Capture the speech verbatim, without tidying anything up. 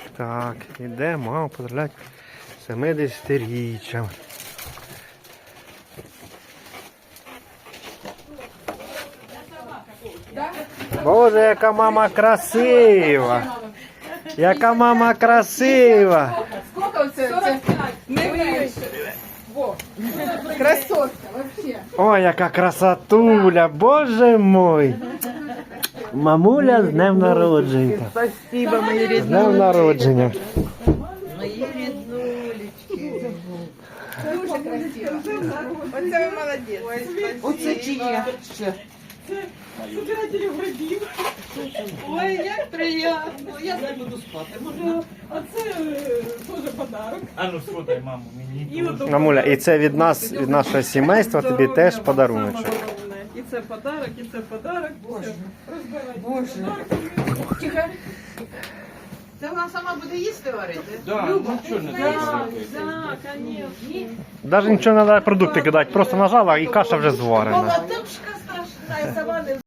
Так, іде мама поздравляти семидесятиріччям. Боже, яка мама красива! Яка мама красива! Сколько це? сорок п'ять. Не менше. Во. Красотка, вообще. Ой, яка красотуля! Боже мой! Мамуля з днем народження! Спасибо, мої З днем народження! Мої ріднулечки. Дуже красиво. Оце ви молодець. Оце чи є ще? Збирателів грибів. Ой, як приємно. Я не буду спати. Може, а це е, теж подарок. А ну сфотай, маму, мені. І от Мамуля, і це від нас, від нашого сімейства, тобі теж подаруночок. Саме головне. І це подарок, і це подарок. Боже. Боже. Тихо. Це вона сама буде їсти варити? Да, ну чого не Так, треба? так, звісно. Навіть нічого не треба продукти кидати, просто нажала і каша вже зварена. Молодушка страшна, я сама не